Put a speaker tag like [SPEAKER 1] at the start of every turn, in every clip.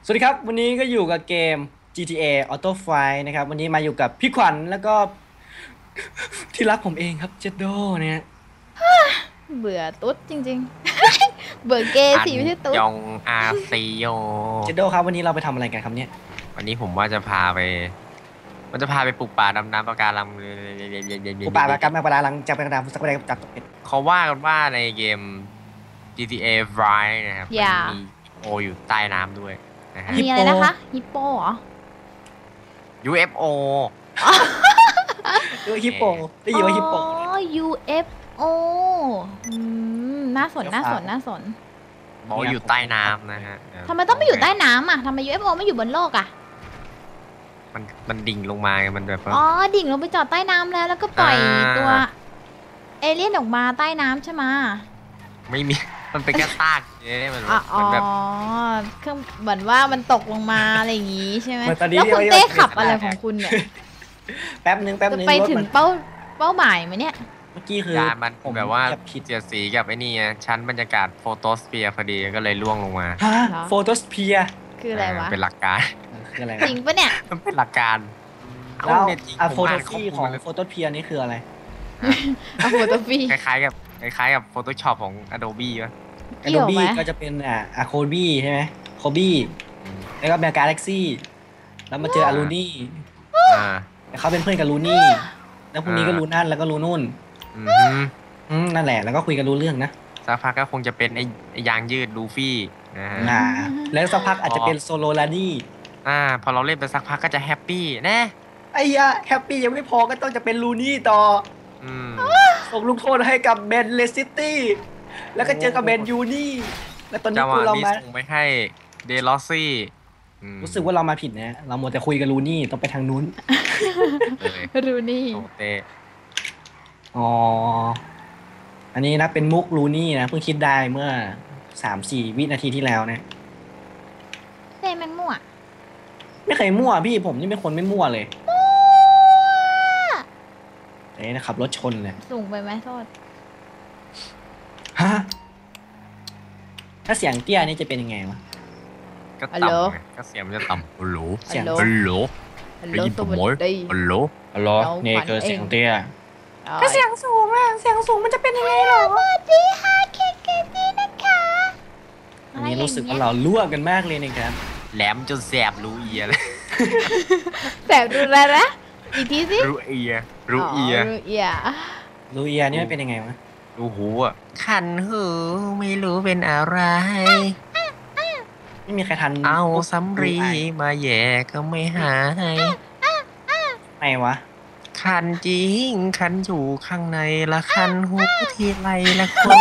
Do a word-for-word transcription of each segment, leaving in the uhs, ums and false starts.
[SPEAKER 1] สวัสดีครับวันนี้ก็อยู่กับเกม จี ที เอ Auto Flight นะครับวันนี้มาอยู่กับพี่ขวัญแล้วก็ ที่รักผมเองครับเจดโดเนี่ย
[SPEAKER 2] เบื่อตุ๊ดจริงๆ เบื่อเกย์สิไม่ใช่ตุ๊ด
[SPEAKER 3] ยองอาซีโย
[SPEAKER 1] เจดโดครับวันนี้เราไปทำอะไรกันครับเนี่ย
[SPEAKER 3] วันนี้ผมว่าจะพาไป มันจะพาไปปลูกป่าดำน้ำปะการัง
[SPEAKER 1] อุปาประกันมาปลาลังจากเป็นกระดาษสักประเดี๋ยวจับตกเป็ด
[SPEAKER 3] เขาว่ากันว่าในเกม จี ที เอ Flight นะครับมันมีโออยู่ใต้น้ำด้วยนะฮะ
[SPEAKER 2] มีอะไรนะคะฮิปโปเหรอ
[SPEAKER 3] ยู เอฟ โอ
[SPEAKER 1] เออฮิปโปได้ยินว่าฮิปโป
[SPEAKER 2] อ๋อ ยู เอฟ โอ อืมน่าสนน่าสนน่าสน
[SPEAKER 3] บอกอยู่ใต้น้ำนะฮะ
[SPEAKER 2] ทำไมต้องไปอยู่ใต้น้ำอ่ะทำไม ยู เอฟ โอ ไม่อยู่บนโลกอ่ะ
[SPEAKER 3] มันมันดิ่งลงมาไงมันแบบ
[SPEAKER 2] อ๋อดิ่งลงไปจอดใต้น้ำแล้วแล้วก็ปล่อยตัวเอเลี่ยนออกมาใต้น้ำใช่ไหม
[SPEAKER 3] ไม่มีมันเป็นแค่ซากเนี่ยมันแบบ
[SPEAKER 2] อ๋อเครื่องเหมือนว่ามันตกลงมาอะไรอย่างงี้ใช่ไหม
[SPEAKER 1] แล้ว
[SPEAKER 2] คุณเต้ขับอะไรของคุณเนี่ย
[SPEAKER 1] แป๊บนึงแป๊บนึง
[SPEAKER 2] ไปถึงเป้าเป้าหมายไหมเนี่ย
[SPEAKER 1] เมื่อกี้คือ
[SPEAKER 3] มันแบบว่าเสียดสีกับไอ้นี่ชั้นบรรยากาศโฟโตสเฟียร์พอดีก็เลยล่วงลงมา
[SPEAKER 1] ฮะโฟโตสเฟียร์
[SPEAKER 2] คืออะไรวะ
[SPEAKER 3] เป็นหลักการ
[SPEAKER 1] คืออะไร
[SPEAKER 2] จริงปะเนี่ย
[SPEAKER 3] มันเป็นหลักการ
[SPEAKER 1] แล้วอะโฟโตฟีของโฟโตเฟียร์นี่คืออะไร
[SPEAKER 2] อะโฟโตฟี
[SPEAKER 3] คล้ายๆกับคล้ายๆกับ Photoshop ของ Adobe ป่ะ
[SPEAKER 1] Adobe ก็จะเป็นอ่ะ Adobe ใช่ไหม Adobe แล้วก็เป็น Galaxy แล้วมาเจออารูนี่เขาเป็นเพื่อนกับลูนี่แล้วพรุ่งนี้ก็ลูนั่นแล้วก็ลูนุ่นอืมนั่นแหละแล้วก็คุยกันรู้เรื่องนะ
[SPEAKER 3] สักพักก็คงจะเป็นไอ้ยางยืดลูฟี่นะฮะ
[SPEAKER 1] แล้วสักพักอาจจะเป็นโซโลลานี่
[SPEAKER 3] อ่าพอเราเล่นไปสักพักก็จะแฮปปี้แน่
[SPEAKER 1] ไอ้ยะแฮปปี้ยังไม่พอก็ต้องจะเป็นลูนี่ต่อส่งลูกโทษให้กับเบนเลสซิตี้แล้วก็เจอกับเบนยูนี่แล้วตอนนี้กูเรามา
[SPEAKER 3] ส่งไปให้เดลอซี่
[SPEAKER 1] รู้สึกว่าเรามาผิดนะเราโมแต่คุยกับลูนี่ต้องไปทางนู้น
[SPEAKER 2] ลูนี่
[SPEAKER 3] เต
[SPEAKER 1] อ๋ออันนี้นะเป็นมุกลูนี่นะเพิ่งคิดได้เมื่อสามสี่วินาทีที่แล้วนะ
[SPEAKER 2] เต้แมงมั่ว
[SPEAKER 1] ไม่เคยมั่วพี่ผมนี่เป็นคนไม่มั่วเลยเอ๊ะขับรถชนเลย
[SPEAKER 2] สูงไปไหมโทษ
[SPEAKER 1] ฮะถ้าเสียงเตี้ยนี่จะเป็นยังไงวะ
[SPEAKER 3] ก็ต่ำก็เสียงมันจะต่ำฮัลโหลเสียงฮัลโหลได้ยินผมไหมฮัลโหล
[SPEAKER 1] ฮัลโหลนี่คือเสียงเตี้ยถ้าเสียงสูงอะเสียงสูงมันจะเป็นยังไงหรอสวัสดีค่ะเคเคนี่นะคะอันนี้รู้สึกว่าเราล่วกันมากเลยนะครับ
[SPEAKER 3] แหลมจนแสบรูเอียเลย
[SPEAKER 2] แสบดูอะไรนะอีกทีสิ
[SPEAKER 3] รูเอียรูเอีย
[SPEAKER 2] รูเอีย
[SPEAKER 1] รูเอียนี่มันเป็นยังไงวะ
[SPEAKER 3] รูหูอ่ะคันหูไม่รู้เป็นอะไร
[SPEAKER 1] ไม่มีใครทัน
[SPEAKER 3] เอาสำรีมาแย่ก็ไม่หาย
[SPEAKER 1] ไงวะ
[SPEAKER 3] คันจริงคันอยู่ข้างในละคันหูทีไรละคน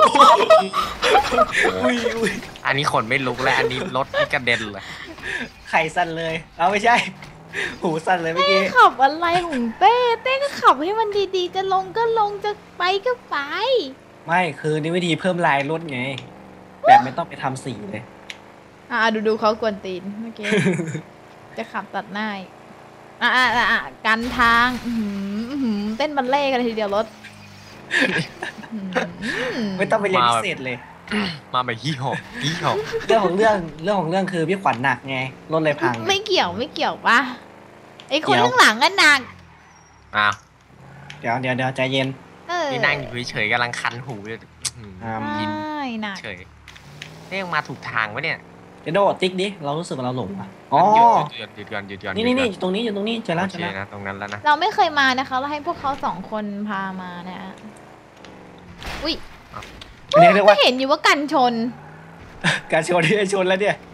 [SPEAKER 3] อันนี้ขนไม่ลุกแล้วอันนี้รถกระเด็นเลย
[SPEAKER 1] ไข่สั่นเลยเอาไม่ใช่หูสั่นเลยเมื่อกี้
[SPEAKER 2] ขับอะไรของเต้เต้ก็ขับให้มันดีๆจะลงก็ลงจะไปก็ไป
[SPEAKER 1] ไม่คือนี่วิธีเพิ่มลายรถไงแบบไม่ต้องไปทำสีเลย
[SPEAKER 2] อ่าดูดูเขากวนตีนเมื่อกี้จะขับตัดหน้าอ่าอ่าอ่ากันทางเต้นบัลเล่กันเลยทีเดียวรถ
[SPEAKER 1] ไม่ต้องไปเรียนพิเศษเลย
[SPEAKER 3] มาแบบฮี่หอบฮี่หอบ
[SPEAKER 1] เรื่องของเรื่องเรื่องของเรื่องคือพี่ขวัญหนักไงรถเลยพัง
[SPEAKER 2] ไม่เกี่ยวไม่เกี่ยวป่ะไอ้คนข้างหลังก็หนัก
[SPEAKER 3] อ้าว
[SPEAKER 1] เดี๋ยวเดี๋ยวเดี๋ยวใจเย็น
[SPEAKER 3] นี่นั่งอยู่เฉยๆกำลังคันหูเลย
[SPEAKER 2] ยิน
[SPEAKER 3] เฉยเรียกมาถูกทางวะเนี่ย
[SPEAKER 1] เดี๋ยวโดดติ๊กดิเรารู้สึกว่าเราหลงอ่ะอ๋อ
[SPEAKER 3] หยุดหยุดก่อนหยุดก่อน
[SPEAKER 1] นี่นี่นี่ตรงนี้อยู่ตรงนี้เจอแล้วเจอแล้ว
[SPEAKER 3] นะตรงนั้นแล้วนะ
[SPEAKER 2] เราไม่เคยมานะคะเราให้พวกเขาสองคนพามานะอุ้ยไม่เห็นอยู่ว่ากันชน
[SPEAKER 1] การชนที่ชนแล้วเนี่ย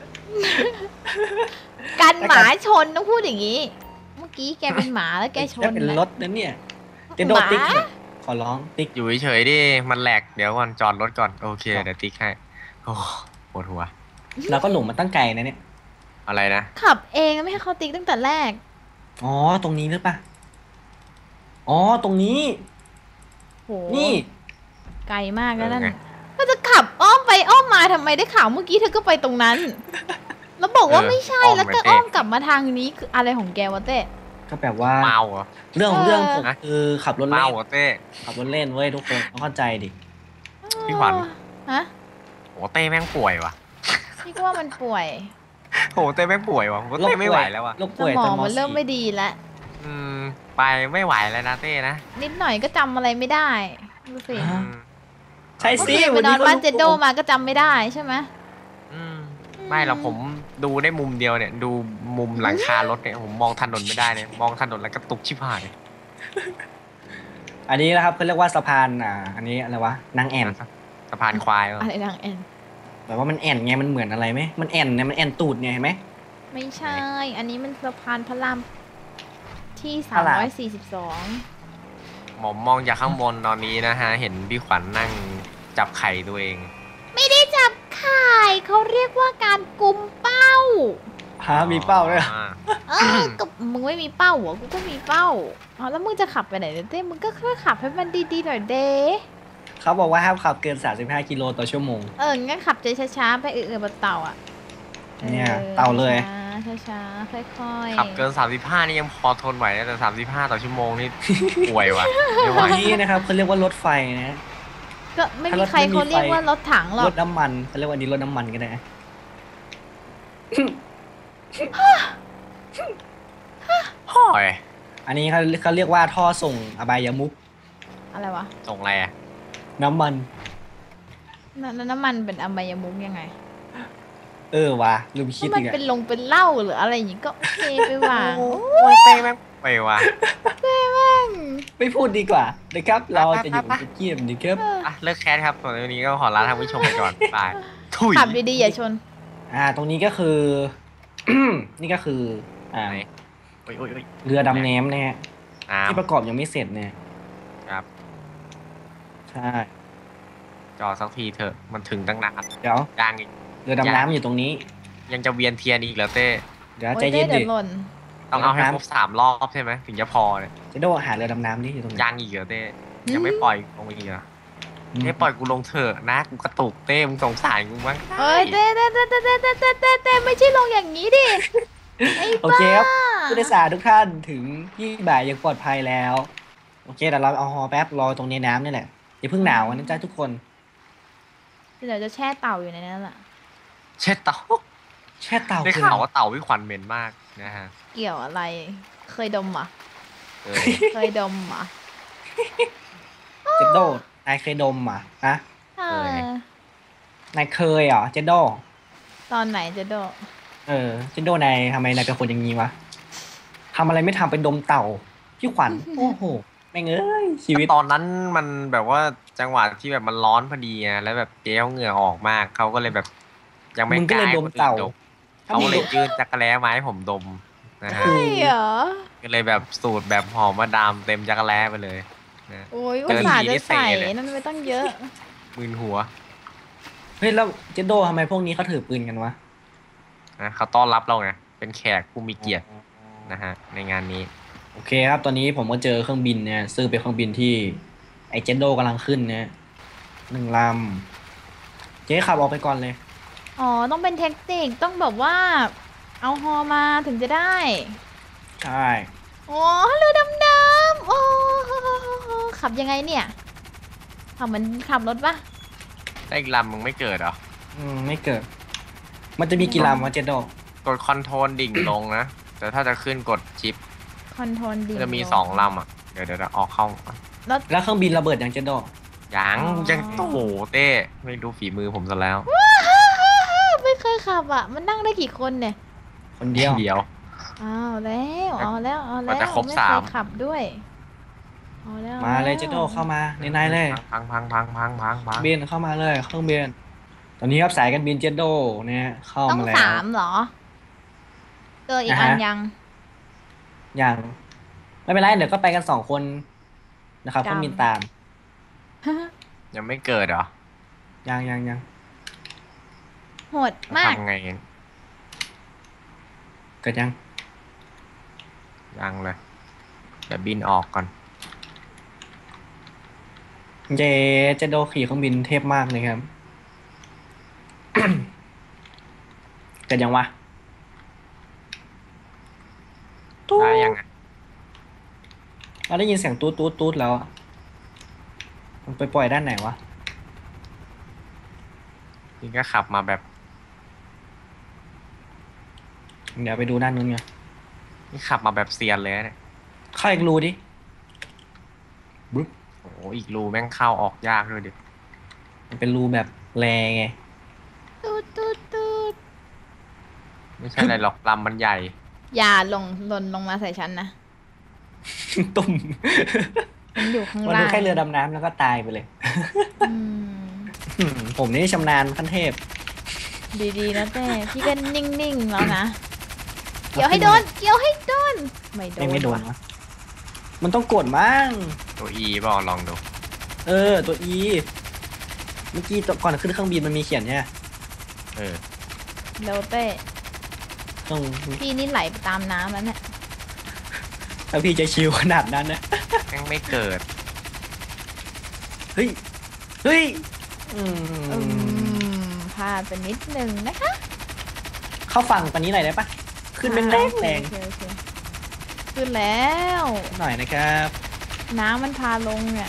[SPEAKER 2] กันหมาชนต้องพูดอย่างนี้เมื่อกี้แกเป็นหมาแล้วแกชน
[SPEAKER 1] เป็นรถนั่นเนี่ยเดี๋ยวโดดติ๊กขอร้องติ๊ก
[SPEAKER 3] อยู่เฉยๆดิมันแหลกเดี๋ยวก่อนจอดรถก่อนโอเคเดี๋ยวติ๊กให้โอ้ปวดหัว
[SPEAKER 1] เราก็หลงมาตั้งไกลนะเนี่ย
[SPEAKER 3] อะไรนะ
[SPEAKER 2] ขับเองไม่ให้เขาติ๊กตั้งแต่แรก
[SPEAKER 1] อ๋อตรงนี้หรือปะอ๋อตรงนี้นี่
[SPEAKER 2] ไกลมากแล้วนั่นก็จะขับอ้อมไปอ้อมมาทำไมได้ข่าวเมื่อกี้เธอก็ไปตรงนั้นแล้วบอกว่าไม่ใช่แล้วก็อ้อมกลับมาทางนี้คืออะไรของแกวะเต้
[SPEAKER 1] ก็แบบว่า
[SPEAKER 3] เมาเหรอ
[SPEAKER 1] เรื่องของเรื่องผมคือขับรถเล่น
[SPEAKER 3] เมาเหรอเต้
[SPEAKER 1] ขับรถเล่นเว้ยทุกคนต้องเข้าใจดิ
[SPEAKER 3] พี่ขวัญ
[SPEAKER 2] ฮะ
[SPEAKER 3] โอ้เต้แม่งป่วยวะ
[SPEAKER 2] พี่ก็ว่ามันป่วย
[SPEAKER 3] โหเต้ไม่ป่วยวะผมก็เต้ไม่ไหวแล้ววะ
[SPEAKER 1] โรค
[SPEAKER 2] ส
[SPEAKER 1] ป่วย
[SPEAKER 2] ม
[SPEAKER 1] ต
[SPEAKER 2] อ
[SPEAKER 1] อง นม
[SPEAKER 2] มันเริ่ม
[SPEAKER 1] สี่
[SPEAKER 2] ไม่ดีแล้ว
[SPEAKER 3] อืมไปไม่ไหวแล้วนะเต้นะ
[SPEAKER 2] นิดหน่อยก็จำอะไรไม่ได้ดูสิ
[SPEAKER 1] ฮะ
[SPEAKER 3] อืม
[SPEAKER 1] ใช่
[SPEAKER 2] เมื่อ
[SPEAKER 1] สิ
[SPEAKER 2] คืนไป
[SPEAKER 1] วัน
[SPEAKER 2] น
[SPEAKER 1] นี้
[SPEAKER 2] อน
[SPEAKER 1] ก็
[SPEAKER 2] บ้าน
[SPEAKER 1] รู้
[SPEAKER 2] เจโดมาก็จำไม่ได้ใช่ไหม
[SPEAKER 3] อืมไม่หรอกผมดูได้มุมเดียวเนี่ย ดูมุมหลังคารถเนี่ยผมมองถนนไม่ได้เนี่ยมองถนนแล้วก็ตุกชิบหาย
[SPEAKER 1] อันนี้นะครับเขาเรียกว่าสะพานอ่า อันนี้อะไรวะนางแอ่น
[SPEAKER 3] สะพานควาย
[SPEAKER 2] อะไรนางแอน
[SPEAKER 1] แบบว่ามันแอ่นไงมันเหมือนอะไรไหมมันแอ่นเนี่ยมันแอ่นตูดไงเห็นไหม
[SPEAKER 2] ไม่ใช่ อันนี้มันสะพานพระรามที่
[SPEAKER 1] พระราม
[SPEAKER 2] สามร้อยสี่สิบสอง
[SPEAKER 3] ผมมองจากข้างบนตอนนี้นะฮะ เห็นพี่ขวัญนั่งจับไข่ตัวเอง
[SPEAKER 2] ไม่ได้จับไข่เขาเรียกว่าการกุมเป้า
[SPEAKER 1] ฮะมีเป้าด้วยเหรอ
[SPEAKER 3] อ่า
[SPEAKER 2] เออกับมึงไม่มีเป้าเหรอกูก็มีเป้าอ๋อแล้วมึงจะขับไปไหนเนี่ยเต้มึงก็ค่อยขับให้มันดีๆหน่อยเด้
[SPEAKER 1] เขาบอกว่าห้ามขับเกินสามสิบห้ากิโลต่อชั่วโมง
[SPEAKER 2] เอองั้นขับใจช้าๆไปเออๆบนเต่าอ่ะ
[SPEAKER 1] เนี่ยเต่าเลย
[SPEAKER 2] ช้าๆช้าๆค่อยๆ
[SPEAKER 3] ขับเกินสามสิบห้านี่ยังพอทนไหวนะแต่สามสิบห้าต่อชั่วโมงนี่ ป่วยว่ะไม่ไหว
[SPEAKER 1] อันนี้นะครับเขาเรียกว่ารถไฟนะ
[SPEAKER 2] ก็ไม่
[SPEAKER 1] ถ้า
[SPEAKER 2] มี
[SPEAKER 1] รถ
[SPEAKER 2] ใคร
[SPEAKER 1] ไม่มี
[SPEAKER 2] เขาเรียก
[SPEAKER 1] ไฟ
[SPEAKER 2] ว่ารถถังหรอ
[SPEAKER 1] ร
[SPEAKER 2] ก
[SPEAKER 1] ถน้ำมันเขาเรียกว่าอันนี้รถน้ำมันก็ได้
[SPEAKER 3] ห่อย
[SPEAKER 1] อันนี้เขาเขาเรียกว่าท่อส่งอบายมุข
[SPEAKER 2] อะไรวะ
[SPEAKER 3] ส่งอะไรอ่ะ
[SPEAKER 1] น้ำมัน
[SPEAKER 2] นนน้ำมันเป็นอบายมุกยังไง
[SPEAKER 1] เออว่ะลืมคิด
[SPEAKER 2] ถ้ามัน
[SPEAKER 1] อีกอะ
[SPEAKER 2] เป็นลงเป็นเหล้าหรืออะไรอย่างงี้ก็โอเคไปวาง
[SPEAKER 3] โอ้ยเต้แม่งไปว่ะ
[SPEAKER 1] ไม่พูดดีกว่านะครับ เราจะอยู่เกียมดีครับ
[SPEAKER 3] อ่ะเลิกแคสครับส่วนวันนี้ก็ขอลาท่านผู้ชมไปก่อนบายถุย
[SPEAKER 2] ขับดีๆอย่าชน
[SPEAKER 1] อ่า ตรงนี้ก็คือ นี่ก็คือ อ่า
[SPEAKER 3] ไหนโอ้ยโอ้ยโอ้ย
[SPEAKER 1] เรือดำน้ำนะฮะ
[SPEAKER 3] น้
[SPEAKER 1] ที่ประกอบยังไม่เสร็จเนี่ย
[SPEAKER 3] ำครับ
[SPEAKER 1] ใช่
[SPEAKER 3] จอดสักทีเถอะมันถึงตั้งนาน
[SPEAKER 1] เดี๋ยว
[SPEAKER 3] ยางอีก
[SPEAKER 1] เรือดำน้ำอยู่ตรงนี้
[SPEAKER 3] ยังจะเวียนเทียนอีกแล้วเต้
[SPEAKER 1] เดี๋ยว
[SPEAKER 2] โอ้
[SPEAKER 1] ใจ
[SPEAKER 2] ย
[SPEAKER 1] เย็
[SPEAKER 2] เต้
[SPEAKER 1] น
[SPEAKER 2] เดี๋
[SPEAKER 1] ดิ
[SPEAKER 2] ยวหล่น
[SPEAKER 3] ต้องเอาให้
[SPEAKER 1] น้ำ
[SPEAKER 3] ครบสามรอบใช่ไหมถึงจะพอเนี่ย
[SPEAKER 1] จะโดหาเรือดำน้ำนี่อยู่ตรงไหน
[SPEAKER 3] ยังอีกเหรอเต้ยังไม่ปล่อยลงอีกเหรอเต้ปล่อยกูลงเถอะนะกูกระตุกเต้มึงสงสารกูมั้ง
[SPEAKER 2] เอ้ยเต้เต้เต้เต้เต้เต้เต้เต้เต้ไม่ใช่ลงอย่างนี้ดิไอ้
[SPEAKER 1] โอ
[SPEAKER 2] บ้า
[SPEAKER 1] เคครับผู้โดยสารทุกท่านถึงที่บ่ายยังปลอดภัยแล้ว โอเคเดี๋ยวเราเอาฮอแป๊บรอตรงนี้น้ำนี่แหละอย่าเพิ่งหนาวกันนะจ๊ะทุกคน
[SPEAKER 2] เดี๋ยวจะแช่เต่าอยู่ในนั้นแหละ
[SPEAKER 3] เช็ดเต่า
[SPEAKER 1] แช่เต่า
[SPEAKER 3] ได้
[SPEAKER 1] คือ
[SPEAKER 3] ข่าวว่าเต่าพี่ขวัญเหม็นมากนะฮะ
[SPEAKER 2] เกี่ยวอะไร เคยดมเหรอ่ะ
[SPEAKER 3] เออ
[SPEAKER 2] เคยดมเหรอ่ะ
[SPEAKER 1] เจดโดนายเคยดมอ่ะฮะ
[SPEAKER 2] เออน
[SPEAKER 1] ายเคยเหรอเจดโด
[SPEAKER 2] ตอนไหนจะโด
[SPEAKER 1] เออเจดโดนายทำไมนายเป็นคนอย่างนี้วะทำอะไรไม่ทำไปดมเต่าพี่ขวัญโอ้โหแม่งเอ้ยชีวิต
[SPEAKER 3] ตอนนั้นมันแบบว่าจังหวะที่แบบมันร้อนพอดีไงแล้วแบบเจ๊เขาเหงื่อออกมากเขาก็เลยแบบ ยังไม่
[SPEAKER 1] มึงก็เลย
[SPEAKER 3] ให้
[SPEAKER 1] ดมเต่า
[SPEAKER 3] คนอื่น
[SPEAKER 1] ถ้า
[SPEAKER 3] เขา
[SPEAKER 1] มึ
[SPEAKER 3] ก็
[SPEAKER 1] ง
[SPEAKER 3] เลยยื่นจักรแล้มาให้ผมดมนะฮะ
[SPEAKER 1] คือ
[SPEAKER 2] ใช่เหรอ
[SPEAKER 3] ก็เลยแบบสูตรแบบหอมมาดามเต็มจักรแล้ไปเลยนะ
[SPEAKER 2] โอ้ย
[SPEAKER 3] เจ
[SPEAKER 2] อุต
[SPEAKER 3] อ
[SPEAKER 2] ส่าห์
[SPEAKER 3] ที
[SPEAKER 2] จะ
[SPEAKER 3] นี่เตะ
[SPEAKER 2] ใส่
[SPEAKER 3] เลย
[SPEAKER 2] นั่นไม่ต้องเยอะ
[SPEAKER 3] มึนหัว
[SPEAKER 1] เฮ้ยแล้วเจดโดทำไมพวกนี้เขาถือปืนกันวะ
[SPEAKER 3] นะเขาต้อนรับเราไงเป็นแขกผู้มีเกียรตินะฮะในงานนี้
[SPEAKER 1] โอเคครับ ตอนนี้ผมก็เจอเครื่องบินเนี่ยซึ่งเป็นเครื่องบินที่ไอเจดโดกำลังขึ้นเนี่ยหนึ่งลำเจ๊ขับออกไปก่อนเลย
[SPEAKER 2] อ๋อ ต้องเป็นเทคนิค ต้องแบบว่า เอาฮอมาถึงจะได้
[SPEAKER 1] ใช่
[SPEAKER 2] โอ้เรือดำน้ำโอ้ขับยังไงเนี่ย ขับเหมือนขับรถปะ
[SPEAKER 3] ได้อีกลำมึงไม่เกิดเหรอ
[SPEAKER 1] อืมไม่เกิด มันจะมีกี่ลำวะเจดโด
[SPEAKER 3] กดคอนโทรลดิ่งลงนะ แต่ถ้าจะขึ้นกดชิป
[SPEAKER 2] คอนโทรลดี
[SPEAKER 3] จะมีสองลำอ่ะ เดี๋ยวเดี๋ยวเดี๋ยวออกเข้า
[SPEAKER 1] แล้วเครื่องบินระเบิดยังเจดโด
[SPEAKER 3] ยังยังโอ้โหเต้ไม่ดูฝีมือผมซะแล้ว
[SPEAKER 2] ไม่เคยขับอ่ะ มันนั่งได้กี่คนเนี่ย
[SPEAKER 1] คนเดียว
[SPEAKER 3] เดียว
[SPEAKER 2] อ้าวแล้วเอาแล้วเอา
[SPEAKER 3] ก
[SPEAKER 2] แล้ว
[SPEAKER 3] ว่าจะครบ
[SPEAKER 2] ไม่
[SPEAKER 3] สา
[SPEAKER 2] เค
[SPEAKER 3] ม
[SPEAKER 2] ยขับด้วยเอาแล้ว
[SPEAKER 1] มาเลยเจดโดเข้ามาในในๆเลย
[SPEAKER 3] พังพังพังพังพังพัง
[SPEAKER 1] บินเข้ามาเลยเครื่องบินตอนนี้ครับสายการบินเจดโดเนี่ยเข้า
[SPEAKER 2] ต้อง
[SPEAKER 1] มาแล้ว
[SPEAKER 2] สามเหรอเจออีกอัน
[SPEAKER 1] อ่าฮะ
[SPEAKER 2] ยัง
[SPEAKER 1] อย่างไม่เป็นไรเดี๋ยวก็ไปกันสองคนนะครับ
[SPEAKER 2] จำ
[SPEAKER 1] เครื่องบินตาม
[SPEAKER 3] ยังไม่เกิดเหรอ
[SPEAKER 1] ยังยังยัง
[SPEAKER 2] โหดมาก
[SPEAKER 3] ทำไง
[SPEAKER 1] เกิดยัง
[SPEAKER 3] ยังเลยเดี๋ยวบินออกก่อน
[SPEAKER 1] เจเจดโดขี่เครื่องบินเทพมากเลยครับ เกิดยังวะ
[SPEAKER 3] ได้ยังไง
[SPEAKER 1] เราได้ยินเสียงตูดตูดตูดแล้วอะมันไปปล่อยด้านไหนวะ
[SPEAKER 3] นี่ก็ขับมาแบบ
[SPEAKER 1] เดี๋ยวไปดูด้านนู้นไง
[SPEAKER 3] นี่ขับมาแบบเซียนเลยนะเนี่ย
[SPEAKER 1] เข้าอีกรูดิบึ๊บ
[SPEAKER 3] โอ้โหอีกรูแม่งเข้าออกยากด้วยดิ
[SPEAKER 1] มันเป็นรูแบบแรไง
[SPEAKER 2] ตูดตูดตูด
[SPEAKER 3] ไม่ใช่อะไรหรอกลำมันใหญ่
[SPEAKER 2] อย่าลงหล่นลงมาใส่ฉันนะ
[SPEAKER 1] ตุ่ม
[SPEAKER 2] มันอยู่ข้าง
[SPEAKER 1] มัน
[SPEAKER 2] ล่า
[SPEAKER 1] ดู
[SPEAKER 2] ง
[SPEAKER 1] แค่เรือดำน้ำแล้วก็ตายไปเลย
[SPEAKER 2] อืม
[SPEAKER 1] อืมผมนี่ชำนาญขั้นเทพ
[SPEAKER 2] ดีๆนะเต้พี่ก็นิ่งๆแล้วนะ เกี่ยวให้โดน เกี่ยวให้โดน ไม่โดน
[SPEAKER 1] ไม่ไม่โดนวะมันต้องกดมั้ง
[SPEAKER 3] ตัว E เปล่าลองดู
[SPEAKER 1] เออ ตัว E เมื่อกี้ตอนก่อนขึ้นเครื่องบินมันมีเขียนใช่ไหม
[SPEAKER 3] เออ
[SPEAKER 2] เร็วเต้
[SPEAKER 1] ต้อง
[SPEAKER 2] พี่นี่ไหลไปตามน้ำแล้วเนี่ย
[SPEAKER 1] ถ้าพี่จะชิวขนาดนั้นนะ
[SPEAKER 3] แม่งไม่เกิด
[SPEAKER 1] เฮ้ย เฮ้ย อื
[SPEAKER 2] อื
[SPEAKER 1] ม
[SPEAKER 2] มพลาดไปนิดนึงนะคะ
[SPEAKER 1] เข้าฝั่งตอนนี้หน่อยได้ปะขึ้นแรงแรงแรง
[SPEAKER 2] โอเคโอเคขึ้นแล้ว
[SPEAKER 1] หน่อยนะครับ
[SPEAKER 2] น้ำมันพาลงเนี่ย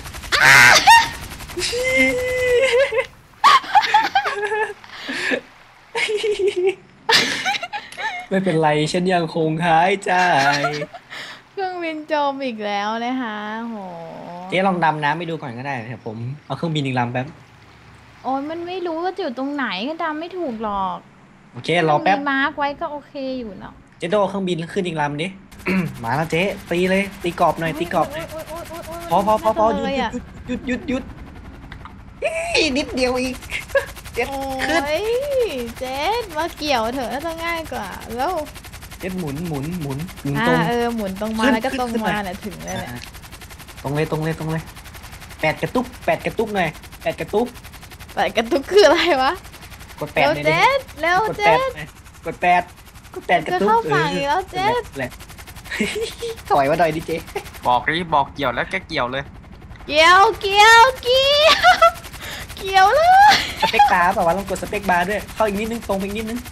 [SPEAKER 1] ไม่เป็นไรฉันยังคงหายใจ
[SPEAKER 2] เครื่องบินจมอีกแล้วนะคะโห
[SPEAKER 1] เจ๊ลองดำน้ำไปดูก่อนก็ได้เดี๋ยวผมเอาเครื่องบินอีกลำแป๊บ
[SPEAKER 2] โอ้ยมันไม่รู้ว่าอยู่ตรงไหนก็จำไม่ถูกหรอก
[SPEAKER 1] โอเครอแป๊บ
[SPEAKER 2] มีมาร์กไว้ก็โอเคอยู่เนาะ
[SPEAKER 1] เจ๊โดเครื่องบินขึ้นอีกลำดิ มาแล้วเจ๊ตีเลยตีกรอบหน่อยตีกรอบหน่อย
[SPEAKER 2] โยโยโยโย
[SPEAKER 1] พอพอพอพอห
[SPEAKER 2] มัน
[SPEAKER 1] ยุด
[SPEAKER 2] น่าจะเลยอะ
[SPEAKER 1] หยุดหยุดหยุดหยุดอีนิดเดียวอีก เจ็ด
[SPEAKER 2] โอ้
[SPEAKER 1] ขึ้น
[SPEAKER 2] ยเจ๊มาเกี่ยวเถอะน่าจะง่ายกว่าแล้ว
[SPEAKER 1] เจ็ดหมุนหมุนหมุนหมุน
[SPEAKER 2] อ่า
[SPEAKER 1] ตรง
[SPEAKER 2] เออหมุนตรงมา
[SPEAKER 1] ขึ้น
[SPEAKER 2] แล้วก็
[SPEAKER 1] ขึ้น
[SPEAKER 2] ตรง
[SPEAKER 1] ขึ้น
[SPEAKER 2] มา
[SPEAKER 1] หน่อย
[SPEAKER 2] เนี่ยถึงเลยเนี่ย
[SPEAKER 1] อ่าตรงเลยตรงเลยตรงเลยแปดกระตุกแปดกระตุกหน่อยแปดกระตุก
[SPEAKER 2] แต่กระตุกคืออะไรวะ
[SPEAKER 1] กดแปด
[SPEAKER 2] เร็ว
[SPEAKER 1] เลยดิ
[SPEAKER 2] เจ๊เร็ว
[SPEAKER 1] กดแป
[SPEAKER 2] เจ๊
[SPEAKER 1] ดหน่อยกดแปดกดแปดกระ
[SPEAKER 2] จะ
[SPEAKER 1] ตุก
[SPEAKER 2] เข้าฝั่งอีกแล้วเจ๊
[SPEAKER 1] แหละ ถอยมาหน่อยดิเจ๊
[SPEAKER 3] บอกดิบอกเกี่ยวแล้วแกเกี่ยวเลย
[SPEAKER 2] เกี่ยวเกี่ยวเกี่ยวเกี่ยวเลย
[SPEAKER 1] สเปกบาร์เปล่าวะลองกดสเปกบาร์ด้วยเข้าอีกนิดนึงตรงไปอีกนิดนึง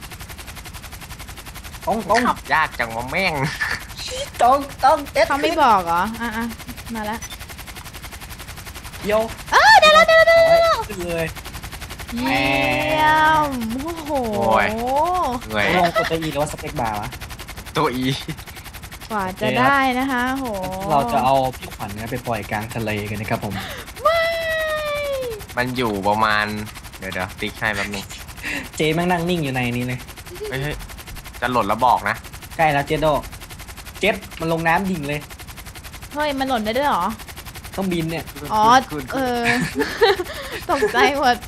[SPEAKER 1] ตรงตรง
[SPEAKER 3] ขับยากจังวะแม่ง
[SPEAKER 1] ตรงตรงเอ็ด
[SPEAKER 2] เขาไม่บอกเหรออ่ะอ่ะมาแล้ว
[SPEAKER 1] โย
[SPEAKER 2] เออเดี๋ยวแล้วเดี๋ยวแล้วเดี๋ยวแล้ว
[SPEAKER 1] ขึ้นเลย
[SPEAKER 2] เยี่ยมโอ้โห
[SPEAKER 3] โอ้ย เหนื่อย
[SPEAKER 1] ลองกดตัวอีหรือว่าสเปกบาร์วะ
[SPEAKER 3] ตัว E
[SPEAKER 2] กว่าจะได้นะคะโห
[SPEAKER 1] เราจะเอาพี่ขวัญเนี่ยไปปล่อยกลางทะเลกันนะครับผม
[SPEAKER 2] ไม่
[SPEAKER 3] มันอยู่ประมาณ เดี๋ยวเดี๋ยวติ๊กให้แป๊บนึง
[SPEAKER 1] เจแม่งนั่งนิ่งอยู่ในนี้เลย
[SPEAKER 3] เฮ้ยเฮ้ยจะหล่นแล้วบอกนะ
[SPEAKER 1] ใกล้แล้วเจโดเจ็ดมันลงน้ำดิ่งเลย
[SPEAKER 2] เฮ้ยมันหล่นได้ด้วยเหรอ
[SPEAKER 1] เครื่องบินเนี่ย
[SPEAKER 2] อ๋อ
[SPEAKER 3] ขึ้น
[SPEAKER 2] เอ
[SPEAKER 3] ขึ้น
[SPEAKER 2] อ ตกใจหมด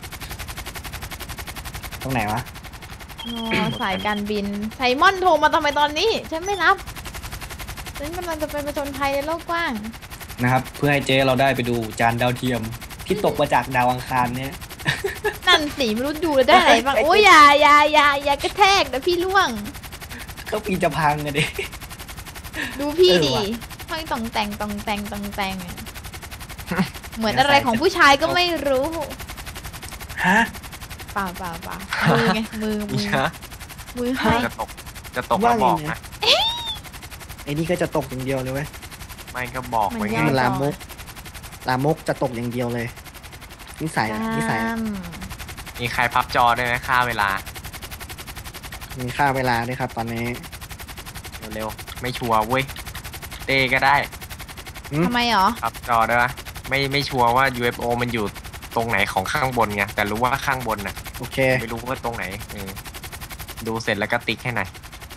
[SPEAKER 1] ตรงไหนวะ
[SPEAKER 2] อ๋อสายการบินไซมอนโทรมาทำไมตอนนี้ ฉันไม่รับ ฉันกำลังจะไปประชนภัยในโลกกว้าง
[SPEAKER 1] นะครับ เพื่อให้เจเราได้ไปดูจานดาวเทียม ที่ตกมาจากดาวอังคารเนี่ย
[SPEAKER 2] นั่นสีไม่รู้ดูแล้วได้อะไรบ้าง โอ้ยอย่าอย่าอย่าอย่ากระแทกนะพี่ล่วง
[SPEAKER 1] เครื่องบินจะพังกันดิ
[SPEAKER 2] ดูพี่
[SPEAKER 1] เออ
[SPEAKER 2] ดิ
[SPEAKER 1] ว่ะ
[SPEAKER 2] ห้อยต่องแต่งต่องแต่งต่องแต่งอะเหมือนอะไรของผู้ชายก็ไม่รู้
[SPEAKER 1] ฮะ
[SPEAKER 2] เปล่าเปล่าเปล่ามือไงมือมื
[SPEAKER 3] นี่
[SPEAKER 2] อ
[SPEAKER 3] นะ
[SPEAKER 2] มือให้
[SPEAKER 3] จะตก จะตกแล้วบอกนะ
[SPEAKER 1] ไอ้นี่ก็จะตกอย่างเดียวเลยเว้ย
[SPEAKER 3] ไม่ก็บอกไว้
[SPEAKER 2] มัน
[SPEAKER 3] ไง
[SPEAKER 2] ยาก
[SPEAKER 1] มันลามก ลามกจะตกอย่างเดียวเลย นิสัยอะนิสัยอะ
[SPEAKER 3] มีใครพับจอได้ไหมค่าเวลา
[SPEAKER 1] มีค่าเวลาด้วยครับ ตอนนี้
[SPEAKER 3] เร็วๆ ไม่ชัวร์เว้ย เต้ก็ได้
[SPEAKER 1] อืม
[SPEAKER 2] ทำไมหรอ
[SPEAKER 3] พับจอได้ปะไม่ไม่ชัวร์ว่า ยู เอฟ โอ มันอยู่ตรงไหนของข้างบนไง แต่รู้ว่าข้างบนน่ะ
[SPEAKER 1] โอเค
[SPEAKER 3] ไม่รู้ว่าตรงไหนเออดูเสร็จแล้วก็ติ๊กให้หน่อย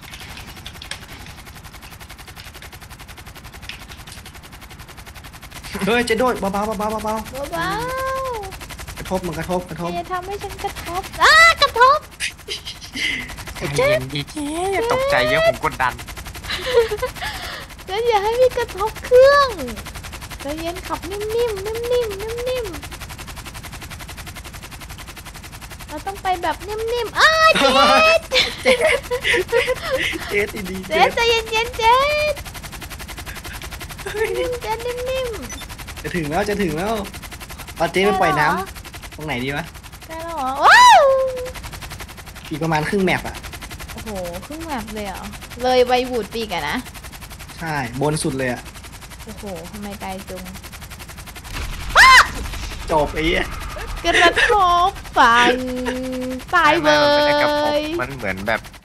[SPEAKER 1] เฮ้ยเจะโดดเบาๆเบาๆเบาๆเบา
[SPEAKER 2] เบา
[SPEAKER 1] ๆกระทบมันกระทบกระทบ
[SPEAKER 2] ๆอย่าทำให้ฉันกระทบอ้ากระทบ
[SPEAKER 3] ใจเย็นดีเจ๊ตกใจเยอะผมกดดัน
[SPEAKER 2] แล้วอย่าให้มีกระทบเครื่องใจเย็นขับนิ่มๆนิ่มๆนิ่มๆเราต้องไปแบบนิ่มๆอ้าเจ๊
[SPEAKER 1] เจ๊ดีๆ
[SPEAKER 2] เจ๊ใจเย็นๆเจ๊นิ่มๆเจ๊นิ่ม
[SPEAKER 1] จะถึงแล้วจะถึงแล้วเอา
[SPEAKER 2] ๆ
[SPEAKER 1] เจ๊ไปปล่อยน้ำ
[SPEAKER 2] ได้
[SPEAKER 1] ตรงไหนดีวะ
[SPEAKER 2] แล้วเหรอว้าว
[SPEAKER 1] อีกประมาณครึ่งแมปอะ
[SPEAKER 2] โอ้โหครึ่งแบบเลยเหรอเลยใบบูดปีกอะนะ
[SPEAKER 1] ใช่บนสุดเลยอะ
[SPEAKER 2] โอ้โหทำไมไกลจุง
[SPEAKER 1] จบไอ้เหี้ย
[SPEAKER 2] กระทบฟังตายเบ
[SPEAKER 3] ไม่ไม่มันไม่ได้กระทบ
[SPEAKER 2] ย
[SPEAKER 3] มันเหมือนแบบ